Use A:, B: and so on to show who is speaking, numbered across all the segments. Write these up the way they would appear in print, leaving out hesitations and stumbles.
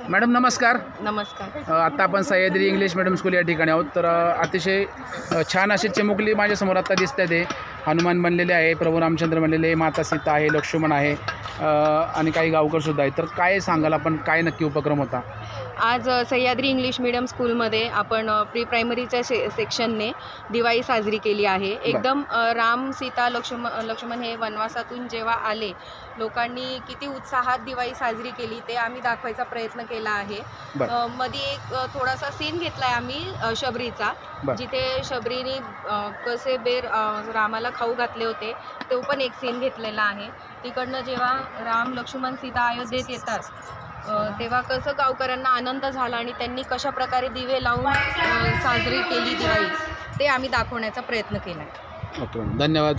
A: Madam नमस्कार.
B: नमस्कार.
A: आत्ता आपण सह्याद्री इंग्लिश मीडियम स्कूल या ठिकाणी आहोत. तर अतिशय छान अशी चिमुकली माझ्यासमोर आत्ता दिसत आहे. ते हनुमान बनलेले आहे, प्रभू रामचंद्र बनलेले आहे, माता सीता आहे, लक्ष्मण आहे आणि काही गावकरसुद्धा आहेत. तर काय सांगाल आपण, काय नक्की उपक्रम होता?
B: आज सह्याद्री इंग्लिश मीडियम स्कूलमध्ये आपण प्री प्रायमरीच्या सेक्शनने दिवाळी साजरी केली आहे. एकदम राम सीता लक्ष्मण हे वनवासातून जेव्हा आले, लोकांनी किती उत्साहात दिवाळी साजरी केली ते आम्ही दाखवायचा प्रयत्न केला आहे. मध्ये एक थोडासा सीन घेतला आहे आम्ही शबरीचा, जिथे शबरीने कसे बेर रामाला खाऊ घातले होते तो पण एक सीन घेतलेला आहे. तिकडनं जेव्हा राम लक्ष्मण सीता अयोध्येत येतात तेव्हा कसं गावकऱ्यांना आनंद झाला आणि त्यांनी कशा प्रकारे दिवे लावून साजरी केली दिवाळी ते आम्ही दाखवण्याचा प्रयत्न केला आहे.
A: ओके, धन्यवाद.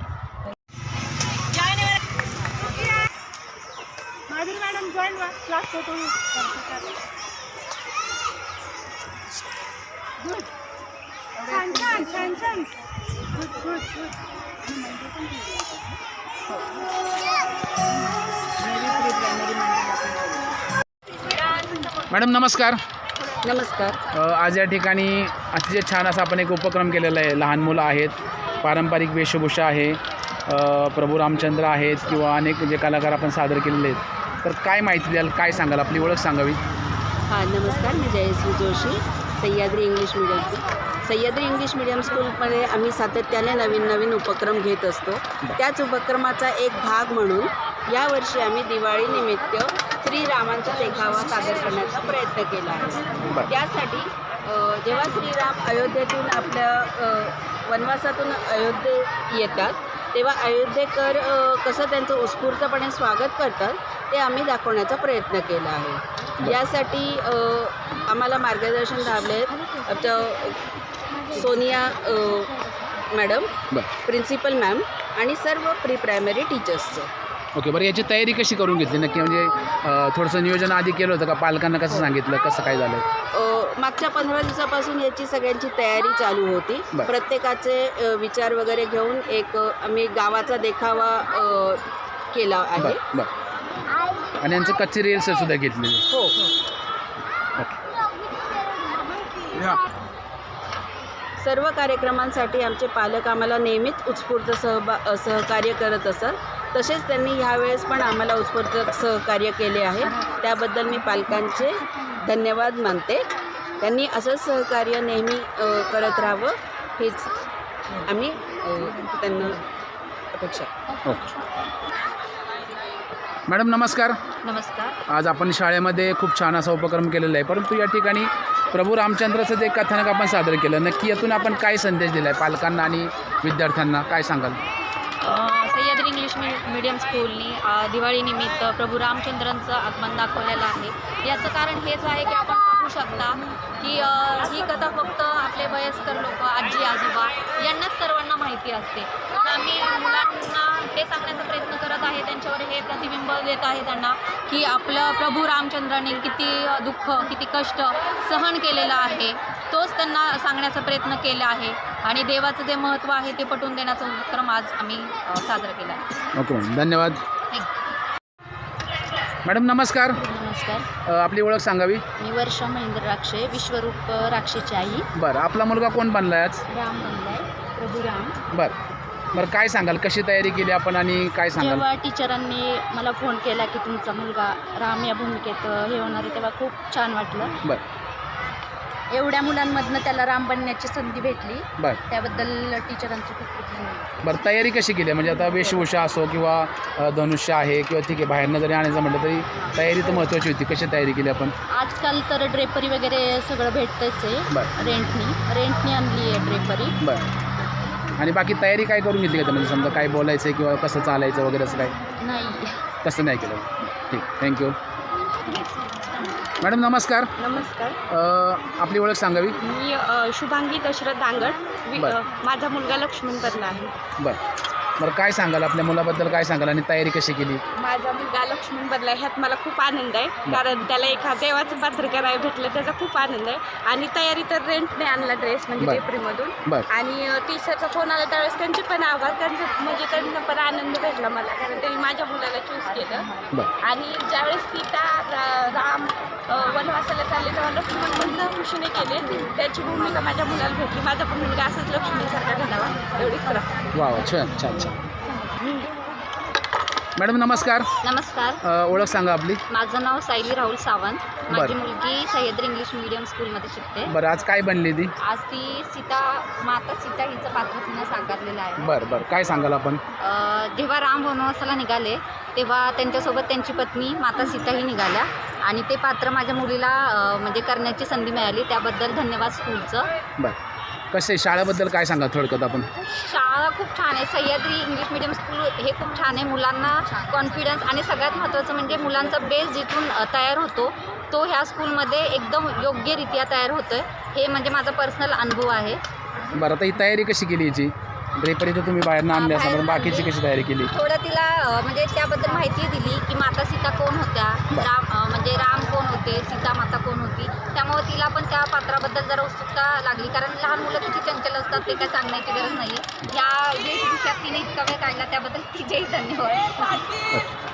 A: मॅडम नमस्कार.
B: नमस्कार.
A: आज या ठिकाणी अतिशय छान असा आपण एक उपक्रम केलेला आहे. लहान मुलं आहेत, पारंपरिक वेशभूषा आहे, प्रभू रामचंद्र आहेत किंवा अनेक जे कलाकार आपण सादर केलेले आहेत. तर काय माहिती द्याल, काय सांगाल, आपली ओळख सांगावी?
B: हां नमस्कार, मी जयश्री जोशी, सह्याद्री इंग्लिश मीडियम स्कूलमध्ये आम्ही सातत्याने नवीन उपक्रम घेत असतो. त्याच उपक्रमाचा एक भाग म्हणून यावर्षी आम्ही दिवाळीनिमित्त श्रीरामांचा देखावा सादर करण्याचा प्रयत्न केला आहे. त्यासाठी जेव्हा श्रीराम अयोध्येतून आपल्या वनवासातून अयोध्येत येतात तेव्हा अयोध्येकर कसं त्यांचं उत्स्फूर्तपणे स्वागत करतात ते आम्ही दाखवण्याचा प्रयत्न केला आहे. यासाठी आम्हाला मार्गदर्शन लाभले आहेत आमच्या सोनिया मॅडम, प्रिन्सिपल मॅम आणि सर्व प्री प्रायमरी टीचर्सचं.
A: ओके, बरं याची तयारी कशी करून घेतली नक्की? म्हणजे थोडंसं नियोजन आधी केलं होतं का? पालकांना कसं सांगितलं, कसं काय झालं?
B: मागच्या 15 दिवसापासून याची सगळ्यांची तयारी चालू होती. प्रत्येकाचे विचार वगैरे घेऊन एक आम्ही गावाचा देखावा केला आहे.
A: आणि यांचं कच्ची रिहर्सल सुद्धा घेतली?
B: हो. सर्व कार्यक्रमांसाठी आमचे पालक आम्हाला नेहमीच उत्स्फूर्त सहकार्य करत असत. तसेच त्यांनी ह्यावेळेस पण आम्हाला उत्स्फूर्त सहकार्य केले आहे. त्याबद्दल मी पालकांचे धन्यवाद मानते. त्यांनी असंच सहकार्य नेहमी करत राहावं हेच आम्ही त्यांना अपेक्षा.
A: मॅडम नमस्कार.
B: नमस्कार.
A: आज आपण शाळेमध्ये खूप छान असा उपक्रम केलेला आहे, परंतु या ठिकाणी प्रभू रामचंद्राचं जे कथानक आपण सादर केलं, नक्की यातून आपण काय संदेश दिला आहे पालकांना आणि विद्यार्थ्यांना, काय सांगाल?
B: सह्याद्री इंग्लिश मीडियम स्कूलनी दिवाळीनिमित्त प्रभू रामचंद्रांचं आगमन दाखवलेलं आहे. याचं कारण हेच आहे की आपण पाहू शकता की ही कथा फक्त आपले वयस्कर लोक, आजी आजोबा यांनाच सर्वांना माहिती असते. पण आम्ही मुलांना हे सांगण्याचा प्रयत्न करत आहे, त्यांच्यावर हे प्रतिबिंब देत आहे त्यांना की आपलं प्रभू रामचंद्राने किती दुःख, किती कष्ट सहन केलेलं आहे, तोच त्यांना सांगण्याचा प्रयत्न केला आहे आणि देवाचं जे महत्त्व आहे ते पटवून देण्याचा उपक्रम आज आम्ही साजरा केला आहे.
A: ओके मॅडम, धन्यवाद. मॅडम नमस्कार.
B: नमस्कार.
A: आपली ओळख सांगावी?
B: मी वर्षा महेंद्र राक्षे, विश्वरूप राक्षेची आई.
A: बरं, आपला मुलगा कोण बनला आहे आज?
B: राम बनलाय, प्रभू राम.
A: बरं, काय सांगाल, कशी तयारी केली आपण आणि काय सांगाल?
B: जेव्हा टीचरांनी मला फोन केला की तुमचा मुलगा राम या भूमिकेत हे होणार आहे तेव्हा खूप छान वाटलं.
A: बरं.
B: एवढ्या मुलांमधनं त्याला राम बनण्याची संधी भेटली.
A: बरं.
B: त्याबद्दल टीचरांचं खूप खूप धन्यवाद.
A: बरं, तयारी कशी केली? म्हणजे आता वेशभूषा असो किंवा धनुष्य आहे किंवा ठीक आहे, बाहेरनं जरी आणायचं म्हटलं तरी तयारी तर महत्त्वाची होती. कशी तयारी केली आपण?
B: आजकाल तर ड्रेपरी वगैरे सगळं भेटतंच आहे. रेंटनी आणली आहे ड्रेपरी.
A: बरं. आणि बाकी तयारी काय करून घेतली का? म्हणजे समजा काय बोलायचं किंवा कसं चालायचं वगैरे असं काय?
B: नाही,
A: तसं नाही केलं. ठीक, थँक्यू. मॅडम नमस्कार.
B: नमस्कार.
A: आपली ओळख सांगावी?
B: मी शुभांगी दशरथ दांगड. माझा मुलगा लक्ष्मण बनला आहे.
A: बरं, काय सांगाल, आपल्या मुलाबद्दल काय सांगाल आणि तयारी कशी केली?
B: माझा मुलगा लक्ष्मण बनला ह्यात मला खूप आनंद आहे, कारण त्याला एका देवाचं पात्र करायला भेटलं त्याचा खूप आनंद आहे. आणि तयारी तर रेंटने आणला ड्रेस, म्हणजे ड्रेपरीमधून. आणि टीचरचा फोन आला त्यावेळेस त्यांचे पण आभार, त्यांचं म्हणजे त्यांना पण आनंद भेटला मला, कारण त्यांनी माझ्या मुलाला चूज केलं. आणि ज्यावेळेस सीता राम
C: वनवासाला चालले तेव्हा लक्ष्मण पण खुशीने केले. त्याची भूमिका माझ्या मुलाला भेटली. माझा पण मुलगा असाच लक्ष्मणसारखा घडावा एवढीच राहा.
A: वा वा, छान छान छान. मॅडम नमस्कार.
D: नमस्कार,
A: ओळख सांगा आपली.
D: माझं नाव सायली राहुल सावंत. माझी
A: बरं.
D: मुलगी सह्याद्री इंग्लिश मीडियम स्कूलमध्ये शिकते.
A: बरं, आज काय बनली ती?
D: आज ती माता सीता हिचं पात्र तिनं साकारलेलं आहे.
A: बरं बरं, काय सांगाल आपण?
D: जेव्हा राम वनवासाला निघाले तेव्हा त्यांच्यासोबत त्यांची पत्नी माता सीताही निघाल्या आणि ते पात्र माझ्या मुलीला म्हणजे करण्याची संधी मिळाली. त्याबद्दल धन्यवाद स्कूलचं.
A: बरं, कसे शाळेबद्दल काय सांगा थोडक्यात आपण?
D: शाळा खूप छान आहे. सह्याद्री इंग्लिश मीडियम स्कूल हे खूप छान आहे. मुलांना कॉन्फिडन्स आणि सगळ्यात महत्त्वाचं म्हणजे मुलांचा बेस जिथून तयार होतो तो ह्या स्कूलमध्ये एकदम योग्यरित्या तयार होतो आहे. हे म्हणजे माझा पर्सनल अनुभव आहे.
A: बरं, आता ही तयारी कशी केली याची? ड्रेपरी तर तुम्ही बाहेरनं आणली असं, पण बाकीची कशी तयारी केली?
D: थोडं तिला म्हणजे त्याबद्दल माहिती दिली की माता सीता कोण होत्या, म्हणजे राम कोण होते, सीता माता कोण होती. त्यामुळे तिला पण त्या पात्राबद्दल जरा उत्सुकता लागली. कारण लहान मुलं किती चंचल असतात ते काय सांगण्याची गरज नाही आहे. या वेशभूषात तिने इतका वेळ काढला त्याबद्दल तिचेही धन्यवाद.